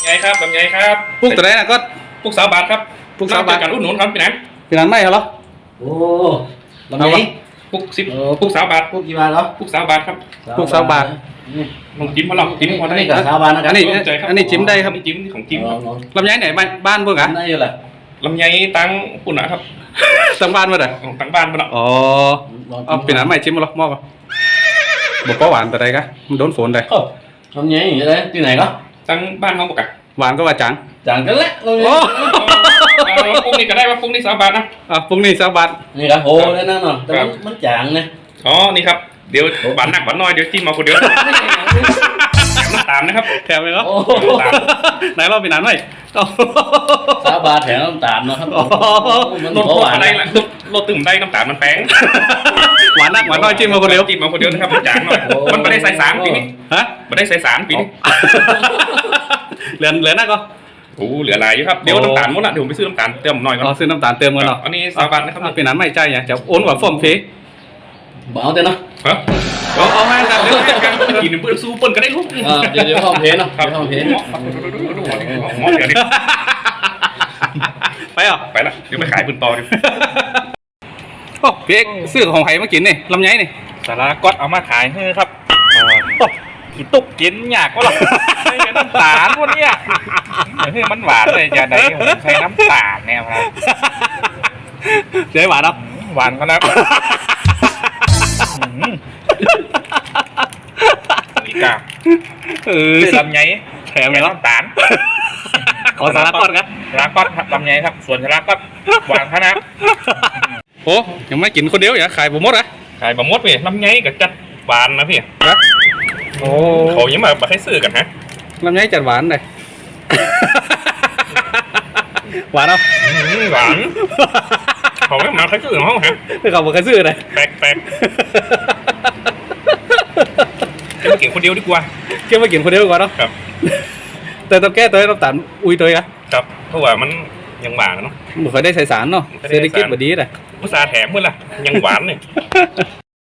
ไงครับลำไยครับปลูกตัวไหนนะก็ปลูก3 บาทครับปลูก3 บาทการอุดหนุนครับพี่นันเป็นอันไม่เหรอโอ้ลำไยปลูก10ปลูก3 บาทพวกกี่บาทเหรอปลูก3 บาทครับปลูก3 บาทลองจิ้มพอลองจิ้มพอได้นี่กับชาวบ้านนะครัอันนี้จิ้มได้ครับจิ้มของจิ้มลำไยไหนบ้านเพิ่งอ่ะได้อยู่แหละลำไยตั้งปุ่นนะครับสังบ้านมาเด้อตั้งบ้านมาแล้วอ๋อเอาเป็นอันไม่จิ้มมาหรอมอบบอกว่าหวานแต่ใดกะมันโดนฝนเลยลำไยอย่างเงี้ยเลยที่ไหนก็ตั้งบ้านเขาบอกกันหวานก็ว่าจังจังกันแหละลำไยโอ้ปลูกนี่ก็ได้ว่าปลูกนี่3 บาทนะปรุงนี่3 บาทนี่ครับโอ้ได้นั่นเนาะแต่มันจางเนี่ยอ๋อนี่ครับเดี๋ยวหวานหนักหวานน้อยเดี๋ยวจิ้มมาคนเดียวน้ำตาลนะครับแถมเลยเหรอโอ้ไหนเราเป็นอันไม่ชาวบ้านแถมน้ำตาลเนาะครับมันลดหวานได้ละลดตึมได้น้ำตาลมันแพงหวานนักหวานน้อยจิ้มมาคนเดียวจิ้มมาคนเดียวนะครับจางหน่อยมันไม่ได้ใส่สารปีนี้ฮะไม่ได้ใส่สารปีนี้เหลือนักก็โอ้เหลืออะไรอยู่ครับเดี๋ยวน้ำตาลหมดละเดี๋ยวผมไปซื้อน้ำตาลเติมหน่อยก่อนซื้อน้ำตาลเติมกันเนาะอันนี้3 บาทนะครับเป็นอันไม่ใจเนี่ยจะโอนกว่าฟอมฟีเอาแต่เนาะฮะเอาให้กันเดี๋ยวกินเพื่อนสู้เปิ้ลก็ได้ลูกเดี๋ยวห้องเพลเนาะครับห้องเพลเดี๋ยวนี้ไปเหรอไปละเดี๋ยวไปขายปืนต่อดิโอ้พี่เอกซื้อของไผ่มากินนี่ลำไยนี่สาระก๊อตเอามาขายให้ครับกินตุกกินยากก็หรอไม่ใช่น้ำตาลพวกนี้เฮ้ยมันหวานเลยจะไหนผมใช้น้ำตาลเนี่ยครับเดี๋ยวหวานเนาะหวานก็นะอีกา ซื้อลำไยแถมเลยเนาะน้ำตาลขอสาระก่อนครับสาระก๊อตลำไยครับส่วนสาระก๊อตหวานขนาดโอ้ยังไม่กินคนเดียวอย่าขายผมหมดอ่ะขายบะมดพี่ลำไยกับจัดหวานนะพี่นะโอ้เขายังมาให้ซื้อกันฮะลำไยจัดหวานเลย หวานเนาะหวานเขาไม่มาให้ซื้อของเขาฮะไม่เขาบอกใครซื้อเลยแปลกจะมากินคนเดียวดีกว่าเก็บมากินคนเดียวก่อนเนาะครับแต่ต้องแก้ตัวให้น้ำตาลอุ้ยตัวอ่ะครับเพราะว่ามันยังหวานเนาะไม่ค่อยได้ใส่สารเนาะเศรษฐกิจแบบนี้เลยอุตส่าห์แถมเมื่อไหร่ยังหวานเลย